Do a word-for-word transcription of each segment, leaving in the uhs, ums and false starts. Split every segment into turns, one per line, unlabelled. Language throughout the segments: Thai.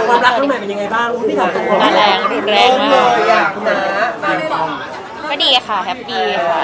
ความรักครั้งใหม่เป็นยังไงบ้างพี่ถามตรง
มาแรงรุนแรงมาก
เลยอ่ะคุณนะมา
ก็ดีค่ะแฮปปี้ค่ะ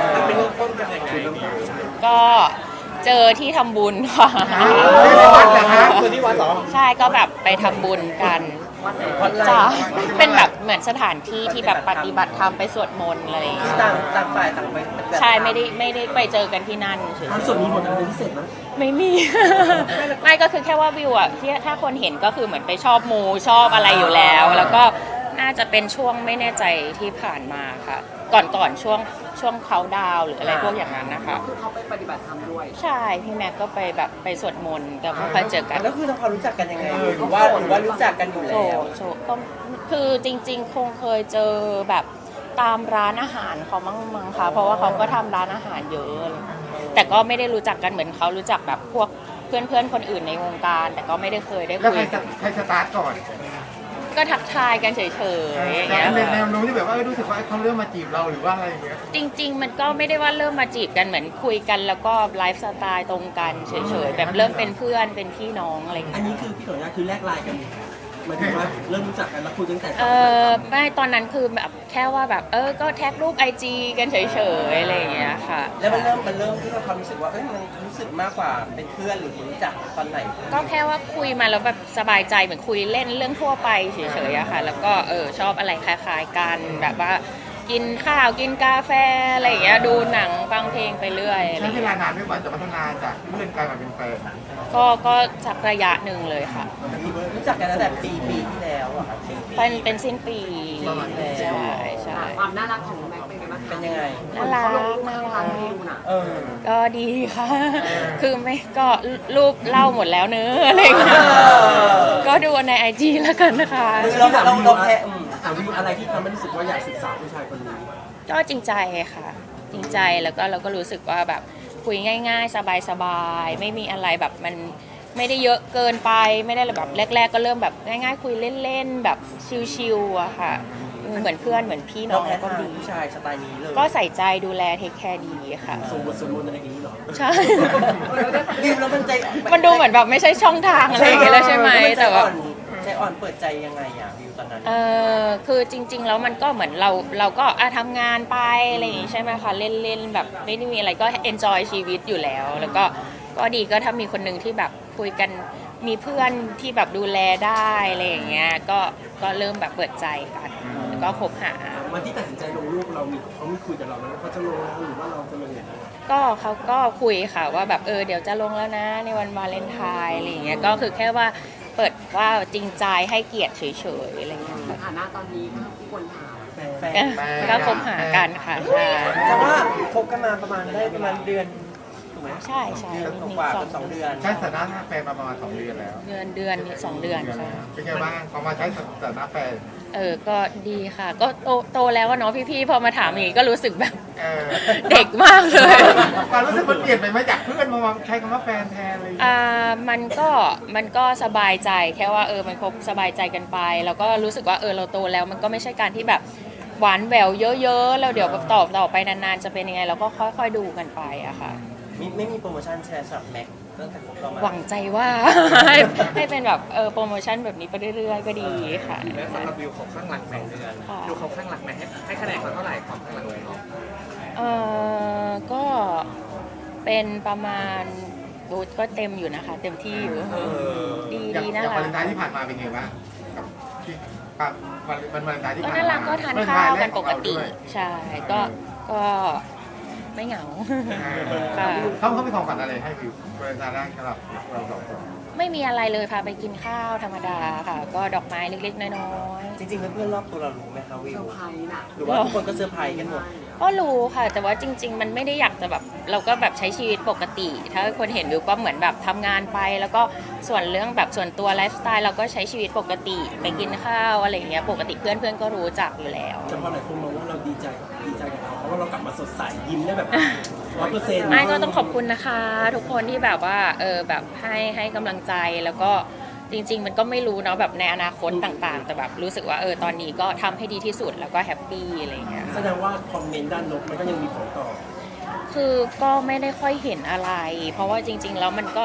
ก็เจอที่ทำบุญค่ะ
ในวัดเหรอคะคือที่วัดเหรอ
ใช่ก็แบบไปทำบุญกันจ้าเป็นแบบเหมือนสถานที่ที่แบบปฏิบัติธรรมไปสวดมนต์อะไรอย่างเงี้ย
ต่างต่างฝ่ายต่างไป
ใช่ไม่ได้ไม่ได้ไปเจอกันที่นั่นเฉย
ๆความสุดมีบทอะไรพิเศษไหม
ๆไม่มี ไม่ก็คือแค่ว่าวิวอะที่ถ้าคนเห็นก็คือเหมือนไปชอบมูชอบอะไรอยู่แล้ว แล้วก็น่าจะเป็นช่วงไม่แน่ใจที่ผ่านมาค่ะ ก่อนก่อนช่วงช่วงเขาดาวน์หรืออะไรพวกอย่างนั้นนะคะ
คือเขาไปปฏิบัติธรรมด้วย
ใช่พี่แม็กก็ไปแบบไปสวดมนต์แต่ไม่ค่อยเจอกัน
แล้วคือทำความรู้จักกันยังไงหรือว่าหรือว่ารู้จักกันอยู่
โช
แล้ว
ว์โชว์ก็คือจริงๆ คงเคยเจอแบบตามร้านอาหารเขามั้งมั้งคะเพราะว่าเขาก็ทำร้านอาหารเยอะอะไรเลยแต่ก็ไม่ได้รู้จักกันเหมือนเขารู้จักแบบพวกเพื่อนๆคนอื่นในวงการ แต่ก็ไม่ได้เคยได้
แล้ว
คุ
ใคร
ย
สใครสตาร์ทก่อน
ก็ทักทายกันเฉยๆอย่าง
แต่
เงี้ย
ในแนวโน้มที่แบบว่ารู้สึกว่าเขาเริ่มมาจีบเราหรือว่าอะไรอย่างเงี้ย
จริง ๆ มันก็ไม่ได้ว่าเริ่มมาจีบกันเหมือนคุยกันแล้วก็ไลฟ์สไตล์ตรงกันเฉยๆแบบเริ่มเป็นเพื่อนเป็นพี่น้องอะไรอย่าง
อัน
เงี้ย
นี้คือพี่ขออนุญาตคือแลกไลน์กันหมายถึงว่าเริ่มรู้จักกันแล้วคุยตั้งแต่
เออไม่ตอนนั้นคือแบบแค่ว่าแบบเออก็แท็กรูปไอจีกันเฉยๆอะไรอย่างเงี้ยค่ะ
แล้วมันเริ่มมันเริ่มที่เราความรู้สึกว่าเอ้ยมันรู้สึกมากกว่าเป็นเพื่อนหรือรู้จักตอนไหน
ก็แค่ว่าคุยมาแล้วแบบสบายใจเหมือนคุยเล่นเรื่องทั่วไปเฉยๆอะค่ะ แล้วก็เออชอบอะไรคล้ายๆกันแบบว่ากินข้าวกินกาแฟอะไรอย่างเงี้ยดูหนังฟังเพลงไปเรื่อยอะไรอ
ใช้
ย่าง
เว
เงี้ย
ลานานไม่กว่าจะพัฒนาจากเพื่อนกลายมาเป็นแฟน
ก็ก็สักระยะหนึ่งเลยค่ะ
รู้จักกันตั้งแต่ปีปีที่แล้วอะครับ
เป็นเป็นสิ้นปีใช่ใช่
ความน่ารักของแม็กเป็นไงบ้างคะ
เป็นยังไง
น่ารัก
เขาลงรูป
น่า
ข้าง
รัก
ๆวิวน่ะ
เออ
ก็ดีค่ะ คือไม่ก็รูปเล่าหมดแล้วเนื้อะอะไรอย่างเงี้ยก็ดูในไอจีแล้วกันนะคะ
คือเราเราเราแพ้อืม
ถามวิวอะไรที่ทำให้รู้สึกว่าอยากศึกษาผู้ชายคนนี้
ก็จริงใจค่ะ จริงใจแล้วก็เราก็รู้สึกว่าแบบคุยง่าย ๆ สบายๆไม่มีอะไรแบบมันไม่ได้เยอะเกินไปไม่ได้แบบแรก ๆ ก็เริ่มแบบง่ายๆ คุยเล่นๆแบบชิลๆอะค่ะเออเหมือนเพื่อนเหมือนพี่น้
เรา
อง
แพ้
ก็
ทาง
ดี
ผู้ชายสไตล์นี้เลย
ก็ใส่ใจดูแลเทคแคร์ดีค่ะ
ส่งบทสวดมนต์อะไรอย่างนี้เหรอ
ใช่
วิวแล้วมันใจ
มันดูเหมือนแบบไม่ใช่ช่องทางอะไรอย่างเงี้ยแล้วใช่ไหมแต่ว่า
ใจอ่อนเปิดใจยังไงอะวิวตอนนั้น
เออคือจริง ๆ แล้วมันก็เหมือนเราเราก็อ่ะทำงานไปอะไรอย่างงี้ใช่ไหมคะเล่นๆแบบไม่ได้มีอะไรก็ enjoy ชีวิตอยู่แล้ว แล้วก็ก็ดีก็ถ้ามีคนหนึ่งที่แบบคุยกันมีเพื่อนที่แบบดูแลได้อะไรอย่างเงี้ยก็ก็เริ่มแบบเปิดใจกันแล้วก็คบหา
วันที่ตัดสินใจลงรูปเรามีเขามีคุยกับเราไหมว่าเขาจะลงแล้วหรือว่าเราจะลงอย่างไร
ก็เขาก็คุยค่ะว่าแบบเออเดี๋ยวจะลงแล้วนะในวันวาเลนไทน์อะไรอย่างเงี้ยก็คือแค่ว่าเปิดว่าจริงใจให้เกียรติเฉยๆอะไรอย่างเงี้ยค่ะ
ฐานะตอนนี้ก็ที่ควรถาม
แฟน
ก็คบหากันค่ะใช่
แต่ว่าคบกันมาประมาณได้ประมาณเดือนถูกไหม
ใช่ใช่
เดือน
นิด
กว่า
ๆส
ๆ
อ
เป็
ง
นสองเดือน
ใช้สถานะแฟนมาประมาณสองเดือนแล้ว
เดือนเดือนสองเดือนใช่
เป็นไงบ้างพอมาใช้สถานะแฟน
เออก็ดีค่ะ ก็โตโตแล้วอะเนาะพี่ๆพอมาถามอย่างงี้ก็รู้สึกแบบ
เออ
เด็กมากเลย
ความรู้สึกมันเปลี่ยนไปไหมจากเพื่อนมาใช้คำว่าแฟนแทนอะไรอย่างเลย
อ่ามันก็มันก็สบายใจแค่ว่าเออมันคบสบายใจกันไป แล้วก็รู้สึกว่าเออเราโตแล้วมันก็ไม่ใช่การที่แบบหวานแหววเยอะๆแล้วเดี๋ยวแบบต่อต่อไปนานๆจะเป็นยังไงเราก็ค่อยๆดูกันไปอะค่ะ
ไม่ไม่มีโปรโมชั่นแชร์สำหรับแม็กตั้งแต่คบเรามา
หวังใจว่า ให้ให้เป็นแบบเออโปรโมชั่นแบบนี้ไปเรื่อยๆก็ดีค่ะ
แล้วสำหรับวิวของข้างหลังแม่ดูเขาข้างหลังแม่ให้ให้คะแนนเขาเท่าไหร่ความข้างหลังของเขา
เออก็เป็นประมาณบูธก็เต็มอยู่นะคะ เต็มที่อยู่ดี
อย่าง
ดี
อ
น่า
ย่าง
รั
วาก เลนไทน์ที่ผ่านมาเป็นไงบ้างกับที่กับวันวันวาเลนไทน์ที่
ก็
ผ่านมา
น่ารักก็ทานข้าวกันปกติใช่ก็ก็ไม่เหงา ค่ะ
เขาเขามีของขวัญอะไรให้วิววาเลนไทน์แรกสำหรับเราสองคน
ไม่มีอะไรเลยพาไปกินข้าวธรรมดาค่ะ ก็ดอกไม้เล็กๆน้อย
จริงๆเพื่อนๆรอบตัวเรารู้ไหมคะวิ
เซอ
ว
ร์ไพรส์น่ะ
หรือว่าทุกคนก็เซอร์ไพรส์กันหมด
ๆก็รู้ค่ะ แต่ว่าจริง ๆ มันไม่ได้อยากจะแบบเราก็แบบใช้ชีวิตปกติ ถ้าคนเห็นวิวก็เหมือนแบบทำงานไป แล้วก็ส่วนเรื่องแบบส่วนตัวไลฟ์สไตล์เราก็ใช้ชีวิตปกติไปกินข้าวอะไรอย่างเงี้ยปกติเพื่อนๆก็รู้จักอยู่แล้ว
แต่พอหลายคนมองว่าเราดีใจดีใจกับเราเพราะว่าเรากลับมาสดใสยิ้มได้แบบร้อยเปอร์เซ็นต์
ไม่ก็ต้องขอบคุณนะคะ ทุกคนที่แบบว่าเออแบบให้ให้กำลังใจแล้วก็จริง ๆ มันก็ไม่รู้เนาะแบบในอนาคตต่างๆ แต่แบบรู้สึกว่าเออตอนนี้ก็ทำให้ดีที่สุดแล้วก็แฮปปี้อะไรอย่างเงี้ย
แสดงว่าคอมเมนต์ด้านลบมันก็ยังมีผลต่อ
คือก็ไม่ได้ค่อยเห็นอะไร เพราะว่าจริง ๆ แล้วมันก็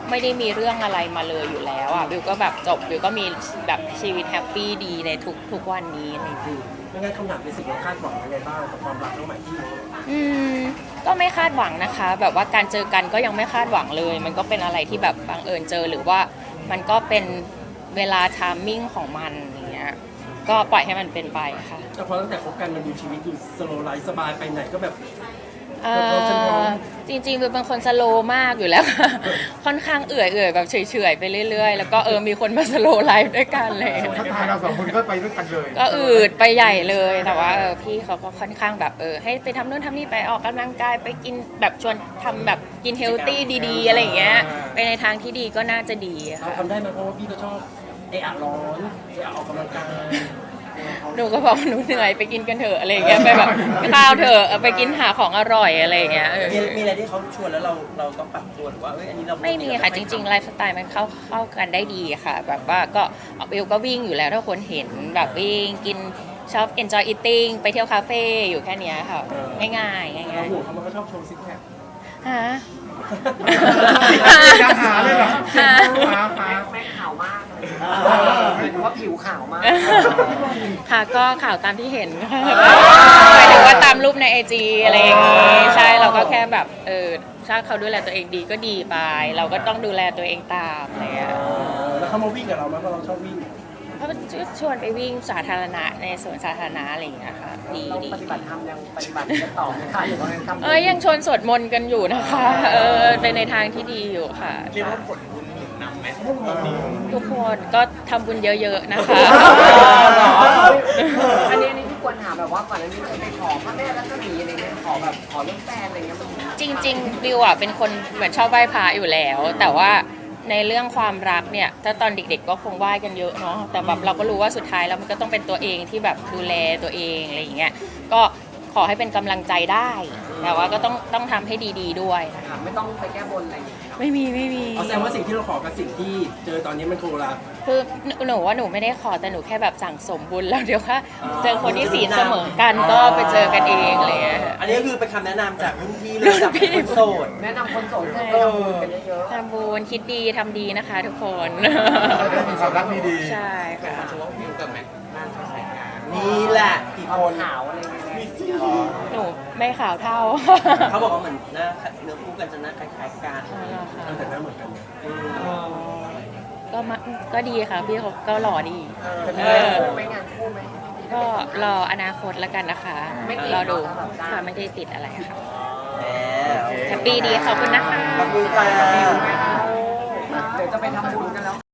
ไม่ได้มีเรื่องอะไรมาเลยอยู่แล้วอ่ะบิวก็แบบจบบิวก็มีแบบชีวิตแฮปปี้ดีในทุกทุกวันนี้อะไรอย่างเงี้ย
ไม่งั้นคำถามเป็นสิ่งเราคาดหวังยังไงบ้างกับความรักน้องใหม่ที่
อืมก็ไม่คาดหวังนะคะ แบบว่าการเจอกันก็ยังไม่คาดหวังเลย มันก็เป็นอะไรที่แบบบังเอิญเจอหรือว่ามันก็เป็นเวลาไทามมิ่งของมันอย่างเงี้ยก็ปล่อยให้มันเป็นไปค่ะ
แต่พอตั้งแต่คบกันมันดูชีวิตดูสโลว์ไลฟ์สบายไปไหนก็แบบ
เอ่อจริงๆบิวเป็นคนสโลว์มากอยู่แล้วค่ะ ค่อนข้างเอื่อยเอื่อยๆแบบเฉยๆไปเรื่อยๆ แล้วก็เออมีคนมาสโลว์ไลฟ์ด้วยกันเลย
ถ้าทายเราสองคนก็ไปด้วยกันเลย
ก็อืดไปใหญ่เลยแต่ว่าเออพี่เขาก็ค่อนข้างแบบเออให้ไปทำนู่นทำนี่ไปออกกำลังกายไปกินแบบชวนทำแบบกินเฮลตี้ดีๆอะไรอย่างเงี้ยไปในทางที่ดีก็น่าจะดี
เรา
ค่ะ
ทำได้ไหมเพราะว่าพี่ก็ชอบเอะอะร้อนเอะอะออกกำลังกาย
หนูก็บอกหนูเหนื่อยไปกินกันเถอะอะไรอย่างเงี้ยไปแบบข้าวเถอะเอาไปกินหาของอร่อยอะไรอย่างเงี้ยเออ
มีมีอะไรที่เขาชวนแล้วเราเราต้องปรับตัวหรือว่าเอ้ยอันนี้เรา
ไม่มีค่ะจริงๆไลฟ์สไตล์มันเข้าเข้ากันได้ดีค่ะ แบบว่าก็เบลก็วิ่งอยู่แล้วถ้าคนเห็นแบบวิ่งกินชอบ enjoy eating ไปเที่ยวคาเฟ่อยู่แค่เนี้ยค่ะง่ายๆง่าย
เราห่วงเขามันก็ชอบโชว์ซิกแพค
ๆฮะ
ยังหาเลยเหรอ
ฮะ
หาหา
แม่ขาวมากเลยหมายถึงว่าผิวขาวมาก
ค่ะก็ข่าวตามที่เห็นค่ะหมายถึงว่าตามรูปในไอจีอะไรอย่างงี้ใช่เราก็แค่แบบเออถ้าเขาดูแลตัวเองดีก็ดีไป เราก็ต้องดูแลตัวเองตามอะไรอย่างเงี้ย
แล้วเขามาวิ่งกับเราไหมเพราะเราชอบวิ่ง
เขาชวนไปวิ่งสาธารณะในสวนสาธารณะอะไรอย่างเงี้ยค่ะดี
เรา
ดี
ปฏิบัติธรรมยังปฏิบัติกันต่อไหมคะหรือว่ายังทำ
เอ้ยยังชวนสวดมนต์กันอยู่นะคะเออเป็นในทางที่ดีอยู่ค่ะ
เรียกว่าผลบุญหนุนนำไหม
ทุกคนก็ทำบุญเยอะๆนะคะ
อันนี้อันนี้ที่ควรถามแบบว่าก่อนอันนี้เคยไปขอพระแม่รัศมีอะไรเงี้ยขอแบบขอเรื่องแฟนอะไรเงี้ยมัน
จริงๆบิวอ่ะเป็นคนเหมือนชอบไหว้พระอยู่แล้ว แต่ว่าในเรื่องความรักเนี่ยถ้าตอนเด็กๆก็คงไหว้กันเยอะเนาะแต่แบบเราก็รู้ว่าสุดท้ายแล้วมันก็ต้องเป็นตัวเองที่แบบดูแลตัวเองอะไรอย่างเงี้ยก็ขอให้เป็นกำลังใจได้ แต่ว่าก็ต้องต้องทำให้ดีๆด้วยนะคะ
ไม่ต้องไปแก้บนอะไรอย่างเงี้ย
ไม่มีไม่มี
เอาแสดงว่าสิ่งที่เราขอกับสิ่งที่เจอตอนนี้มันโคละ
คือหนูว่าหนูไม่ได้ขอแต่หนูแค่แบบสั่งสมบุญแล้วเดี๋ยวว่าเจอคนที่ศีลเสมอกันก็ไปเจอกันเองอะไรอย่างเลย
อันนี้ก็คือเป็นคำแนะนำจากรุ่นพี่เลยจากคนโสด
แนะนำคนโสดให้ทำบุญกันเยอะ
ทำบุญคิดดีทำดีนะคะทุกคน
เราได้มีความรักดี
ใช่ค่ะ
เฉพาะวิวกับแม็กน่าจะใช้งาน
นี่แหละกี่
ๆ
คน
ขาวอะไรเงี้ย
หนูไม่ขาวเท่า
เขาบอกว่าเหมือนหน้าเนื้อคู่กันจะหน้าคล้ายๆกัน
อ๋อเหรอคะ
เออแต่หน้าเหมือนกันนะ
ก็มาก็ดีค่ะพี่เขาก็หล่อดี
จะมี
เออ
ไม่งานคู่ไหม
ก็รออนาคตแล้วกันนะคะ
ไม่ติด
รอดู
เนอะ
ค่ะไม่ได้ติดอะไรค่ะ
แหม
แฮปปี้ดีขอบคุณนะคะ
ขอบคุณค่ะ
เดี๋ยวจะไปทำบุญกันแล้ว